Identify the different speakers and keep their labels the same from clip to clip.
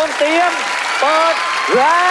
Speaker 1: งเตรียมเปิดแล้ว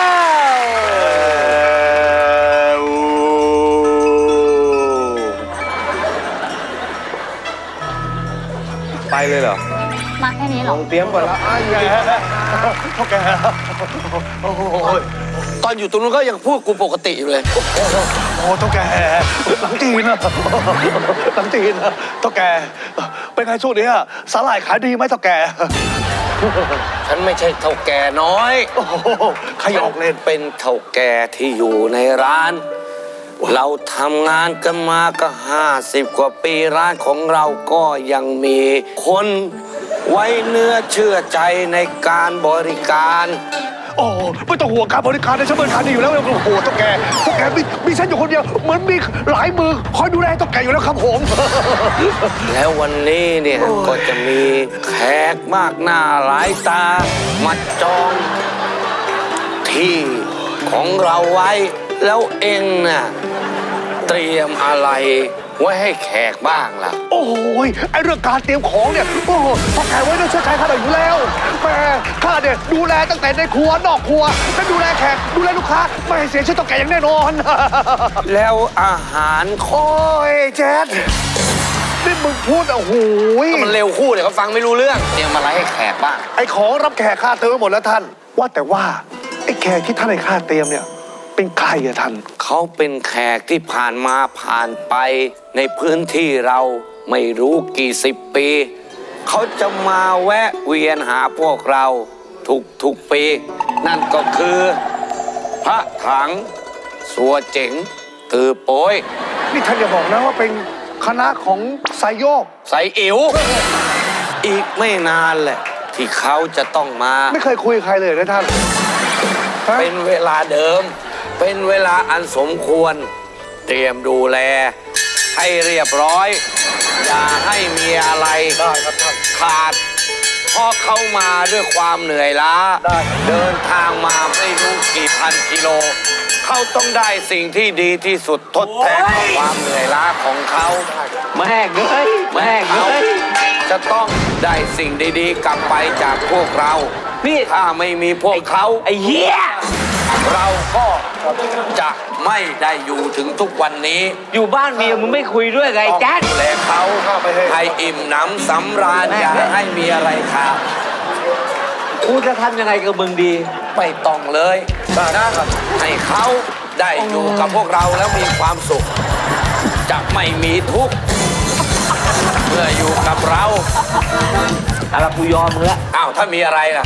Speaker 1: ไปเลยเหรอ
Speaker 2: มาแค่นี้เหรอ
Speaker 1: เตรียมก่อนแล้วเท่าแกโอ้โห
Speaker 3: ตอนอยู่ตรงนู้นก็ยังพูดกูปกติอยู่เลย
Speaker 1: โอ้เท่าแกหลังจีนนะหลังจีนนะเท่าแกเป็นไงช่วงนี้สาหร่ายขายดีไหมเท่าแก
Speaker 3: ฉันไม่ใช่เท่าแก่น้อย
Speaker 1: ใครออกเล่น
Speaker 3: เป็นเท่าแก่ที่อยู่ในร้านเราทำงานกันมาก็50 กว่าปีร้านของเราก็ยังมีคนไว้เนื้อเชื่อใจในการบริการ
Speaker 1: โอ้ไม่ต้องห่วงการบริการในชั้นบริการดีอยู่แล้วโอ้โหเท่าแกมีฉันอยู่คนเดียวเหมือนมีหลายมือคอยดูแลเท่าแกอยู่แล้วครับผม
Speaker 3: แล้ววันนี้เนี่ยก็จะมีแขกมากหน้าหลายตามาจองที่ของเราไว้แล้วเองน่ะเตรียมอะไรไว้ให้แขกบ้างล่ะ
Speaker 1: โอ้ยไอเรื่องการเตรียมของเนี่ยโอ้โหพอแขกไว้ด้วยเชื่อใจข้าอยู่แล้วแม่ข้าเนี่ยดูแลตั้งแต่ในครัวนอกครัวและดูแลแขกดูแลลูกค้าไม่ให้เสียชื่อต้องแกอย่างแน่นอน
Speaker 3: แล้วอาหาร
Speaker 1: โอ้ยแจ๊ดนี่มึงพูดโอ้โห
Speaker 3: มันเร็วคู่เดี๋ยวเขาฟังไม่รู้เรื่องเตรียมอะไรให้แขกบ้าง
Speaker 1: ไอของรับแขกข้าเตรียมไว้หมดแล้วท่านว่าแต่ว่าไอแขกที่ท่านให้ข้าเตรียมเนี่ยเป็นใครอะท่าน
Speaker 3: เขาเป็นแขกที่ผ่านมาผ่านไปในพื้นที่เราไม่รู้กี่10 ปีเขาจะมาแวะเวียนหาพวกเราทุกปีนั่นก็คือพระถังสัวเจ๋งตือโป้ย
Speaker 1: นี่ท่านอย่าบอกนะว่าเป็นคณะของไซโยก
Speaker 3: ไซอิ๋วอีกไม่นานแหละที่เขาจะต้องมา
Speaker 1: ไม่เคยคุยกับใครเลยนะท่าน
Speaker 3: เป็นเวลาเดิมเป็นเวลาอันสมควรเตรียมดูแลให้เรียบร้อยอย่าให้มีอะไรขาดเพราะเขามาด้วยความเหนื่อยล้าเดินทางมาไม่รู้กี่พันกิโลเขาต้องได้สิ่งที่ดีที่สุดทดแทนความเหนื่อยล้าของเขา
Speaker 1: แม่เงยแม่เงย
Speaker 3: จะต้องได้สิ่งดีๆกลับไปจากพวกเรานี่ถ้าไม่มีพวกเขา
Speaker 1: ไอ้เหี้ย
Speaker 3: เราก็จะไม่ได้อยู่ถึงทุกวันนี้
Speaker 1: อยู่บ้านเมียมึงไม่คุยด้วยไงแจ๊ด
Speaker 3: ดูแลเขาให้อิ่มหนำสำราญอย่าให้มีอะไรขาด
Speaker 1: กูจะทำยังไงกับมึงดี
Speaker 3: ไม่ต้องเลยนะให้เขาได้อยู่กับพวกเราแล้วมีความสุขจะไม่มีทุกข์เมื่ออยู่กับเรา
Speaker 1: อะไรกูยอมมึงแล้ว
Speaker 3: อ้าวถ้ามีอะไรล่ะ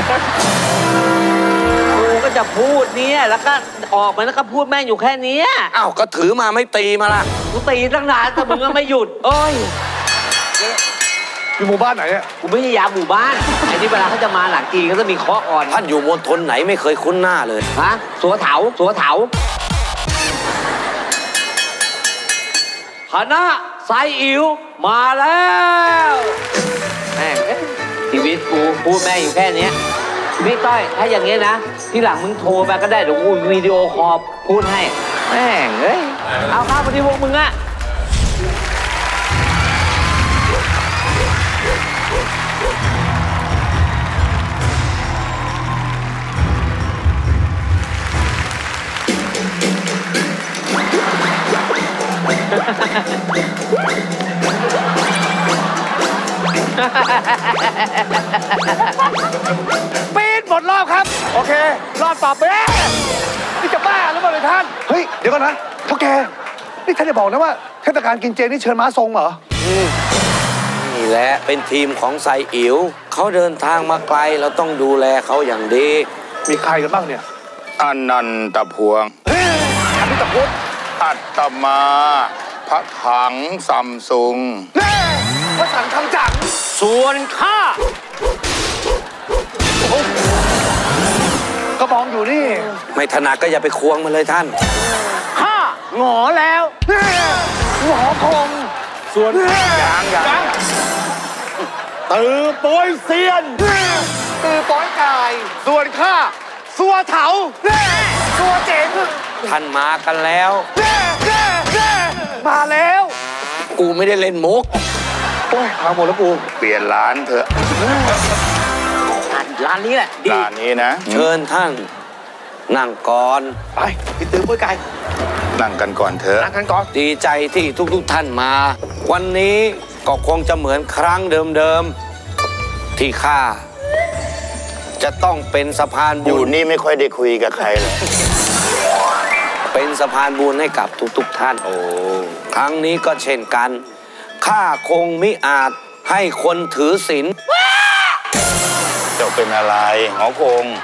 Speaker 1: ก็จะพูดเนี่ยแล้วก็ออกมาแล้วก็พูดแม่งอยู่แค่นี้
Speaker 3: อ้าวก็ถือมาไม่ตีมาล่ะ
Speaker 1: กูตีตั้งนานแต่มึงก็ไม่หยุดเอ้ยอยู่หมู่บ้านไหนเนี่ยกูไม่ใช่ยามหมู่บ้านไอ้นี่เวลาเขาจะมาหลังจีนเขาจะมีเคาะอ่อน
Speaker 3: ท่านอยู่มณฑลไหนไม่เคยคุ้นหน้าเลย
Speaker 1: ฮะสัวเถาคณะไซอิ๋วมาแล้วแม่งชีวิตกูพูดแม่งอยู่แค่นี้พี่ต้อยถ้าอย่างงี้นะที่หลังมึงโทรมาก็ได้เดี๋ยวกูวิดีโอคอลพูดให้แม่งเอ้ยเอาข้าวมาที่พวกมึงอะปีนหมดรอบครับโอเครอบต่อไปนี่จะบ้าหรือเปล่าเลยท่านเฮ้ยเดี๋ยวก่อนนะเท่าแกนี่ท่านจะบอกนะว่าเทศกาลกินเจนี่เชิญม้าทรงเหรอ
Speaker 3: นี่แหละเป็นทีมของไซอิ๋วเขาเดินทางมาไกลเราต้องดูแลเขาอย่างดี
Speaker 1: มีใครกันบ้างเนี่ย
Speaker 4: อนันตพวง
Speaker 1: อนันตพุทธ
Speaker 4: อัตมาพระถังซัมซุง
Speaker 1: พระถังทำจัง
Speaker 3: ส่วนข้าก
Speaker 1: ระบองอยู่นี่
Speaker 3: ไม่ถนัดก็อย่าไปควงมันเลยท่าน
Speaker 1: ข้าหงอแล้วหงอคงส่วน
Speaker 3: ยัง
Speaker 1: ตือโป้ยเซียนตือโป้ยกายส่วนข้าสัวเถาสัวเจ๋ง
Speaker 3: ท่านมากันแล้ว
Speaker 1: มาแล้ว
Speaker 3: กูไม่ได้เล่นมุก
Speaker 1: โอ้ยพังหมดแล้วกู
Speaker 4: เปลี่ยนร้านเถอะ
Speaker 1: ย
Speaker 2: ร้านนี้แหละดี
Speaker 4: ร้านนี้นะ
Speaker 3: เชิญท่านนั่งก่อน
Speaker 2: ไปพี่ตื้อปุ้ยไก่
Speaker 4: นั่งกันก่อนเถอะ
Speaker 2: นั่งกันก่อน
Speaker 3: ดีใจที่ทุกท่านมา วันนี้ก็คงจะเหมือนครั้งเดิมๆที่ข้าจะต้องเป็นสะพาน
Speaker 4: อ
Speaker 3: บุ
Speaker 4: ยู่
Speaker 3: ญ
Speaker 4: นี่ไม่ค่อยได้คุยกับใครเลย
Speaker 3: เป็นสะพานบุญให้กับทุกท่าน
Speaker 4: โอ้
Speaker 3: ครั้งนี้ก็เช่นกันข้าคงมิอาจให้คนถือศีล
Speaker 4: เจ้าเป็นอะไรหอคง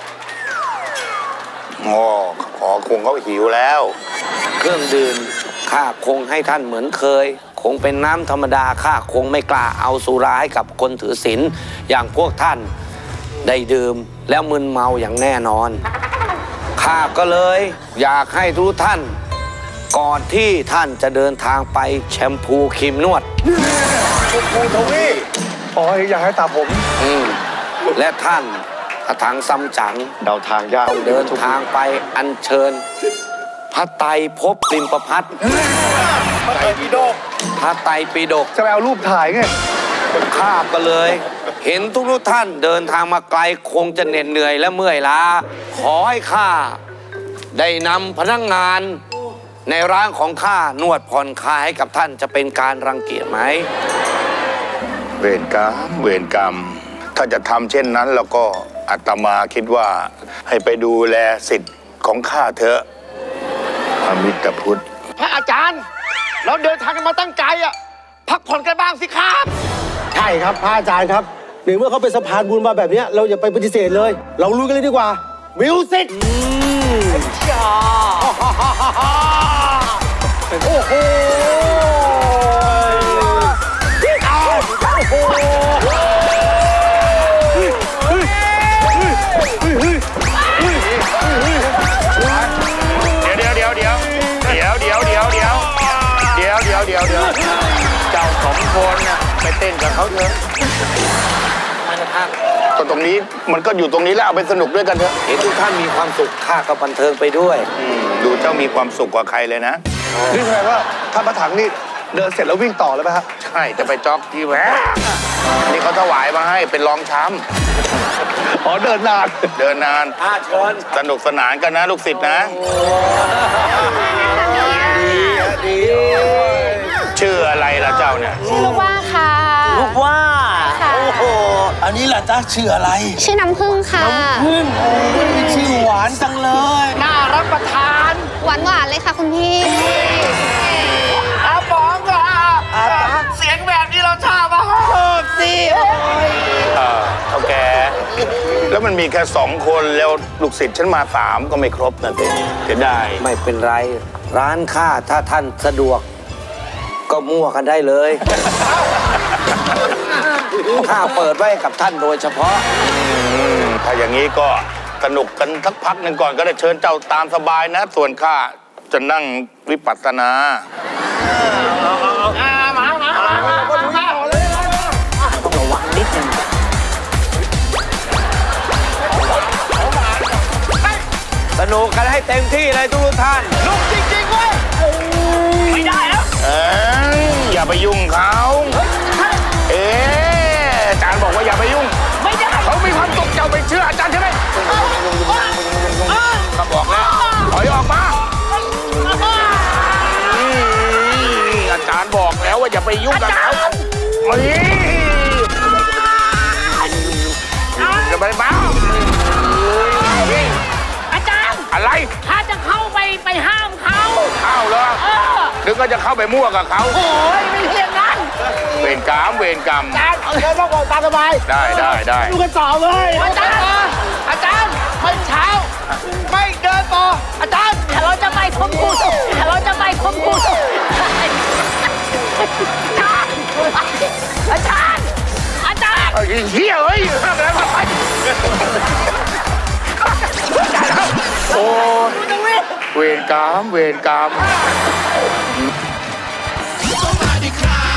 Speaker 4: อ๋อหอคงเขาหิวแล้ว
Speaker 3: เครื่องดื่มข้าคงให้ท่านเหมือนเคย คงเป็นน้ำธรรมดาข้าคงไม่กล้าเอาสุราให้กับคนถือศีลอย่างพวกท่านได้ดื่มแล้วมึนเมาอย่างแน่นอนข้าก็เลยอยากให้ทุกท่าน ก่อนที่ท่านจะเดินทางไปแชมพูครีมนวด
Speaker 2: ปูทวีอ๋ออยากให้ตาผม
Speaker 3: และท่านพระถังซัมจั๋ง
Speaker 2: เดาทางยาก
Speaker 3: เดินทางไปอัญเชิญ พระไตรภพริมประพัฒน์
Speaker 2: ไก่พี่โดก
Speaker 3: พระไตรปิฎก
Speaker 2: จะไปเอารูปถ่ายไง
Speaker 3: ข้าก็เลย เห็นทุกท่านเดินทางมาไกลคงจะเหน็ดเหนื่อยและเมื่อยล้า ขอให้ข้าได้นำพนักงาน ในร้านของข้านวดผ่อนคลายให้กับท่านจะเป็นการรังเกียจไหม
Speaker 4: เวรกรรมเวรกรรม ถ้าจะทำเช่นนั้นแล้วก็อาตมาคิดว่าให้ไปดูแลสิทธิ์ของข้าเถอะพระมิตรพุทธ
Speaker 2: พระอาจารย์ เราเดินทางกันมาตั้งไกลอ่ะพักผ่อนกันบ้างสิครับ
Speaker 5: ใช่ครับพระอาจารย์ครับในเมื่อเขาเป็นสะพานบุญมาแบบเนี้ยเราอย่าไปปฏิเสธเลย เราลุยกันเลยดีกว่ามิวสิกโอ้โห
Speaker 4: เจ้าสองคนน่ะไปเต้นกับเขาเถอะก็ตรงนี้มันก็อยู่ตรงนี้แล้วเอาไปสนุกด้วยกันเถอะ
Speaker 3: เห็นทุกท่านมีความสุขข้าก็บันเทิงไปด้วย
Speaker 4: ดูเจ้ามีความสุขกว่าใครเลยนะ
Speaker 2: นี่แสดงว่าท่านพระถังนี่เดินเสร็จแล้ววิ่งต่อเลยไหมฮะ
Speaker 4: ใช่จะไปจ็อกที่แหวะนี่เขาถวายมาให้เป็นรองช้
Speaker 2: อ๋อเดินนาน
Speaker 4: ำเดินนาน
Speaker 3: เชิญ
Speaker 4: สนุกสนานกันนะลูกศิษย์นะ ชื่ออะไรล่ะเจ้าเนี่ย
Speaker 6: ชื่อลูกว่าค่ะ
Speaker 5: ลูกว่า
Speaker 6: ค่ะ
Speaker 5: โอ้โหอันนี้แหละจ้าชื่ออะไร
Speaker 6: ชื่อน้ำผึ้งค่ะ
Speaker 5: พึ่งโอ้ยชื่อหวานจังเลย
Speaker 2: น่ารับประทาน
Speaker 6: หวานหวานๆเลยค่ะคุณพี่
Speaker 2: อาปองก็เสียงแบบนี้เราชอบอ่ะสิ
Speaker 4: เท่าแก แล้วมันมีแค่2 คนแล้วลูกศิษย์ฉันมา3ก็ไม่ครบนะเต้เสียดาย
Speaker 3: ไม่เป็นไร ร้านข้าถ้าท่านสะดวก ก็มั่วกันได้เลยข้าเปิดไว้กับท่านโดยเฉพาะ
Speaker 4: ถ้าอย่างนี้ก็สนุกกันสักพักหนึ่งก่อนก็ได้เชิญเจ้าตามสบายนะ ส่วนข้าจะนั่งวิปัสสนา
Speaker 3: สนุกกันให้เต็มที่เลยทุกท่าน
Speaker 2: ลูกจริงๆเว้ยไม่ได้แล้ว
Speaker 4: อย่าไปยุ่งเขาอาจารย์บอกว่าอย่าไปยุ่ง
Speaker 2: ไม่ได้
Speaker 4: เขามีความสุขเจ้าไปเชื่ออาจารย์ใช่ไหมก็บอกแล้วถอยออกมาอาจารย์บอกแล้วว่าอย่าไปยุ่งกับเขาจะไปบ้า
Speaker 7: อาจารย์
Speaker 4: อะไร
Speaker 7: ถ้าจะเข้าไปห้ามเขา
Speaker 4: เข้าเหรอนึกว่าจะเข้าไปมั่วกับเขา
Speaker 7: โอ้ยไม่เรียนนั้น
Speaker 4: เวรกรรมเวรกรรม
Speaker 5: อาจารย์เอาเดินมาก่อนตามสบาย
Speaker 4: ได้
Speaker 5: ดูกันต่อเลย
Speaker 7: อาจารย์ไม่เช้า
Speaker 2: ไม่เดินต่ออาจารย์
Speaker 7: ถ้าเราจะไปทบกูถ้าเราจะไปทบกูอาจารย์
Speaker 4: เฮียเฮ้ยห้ามแล้วโอ้เวรกรรม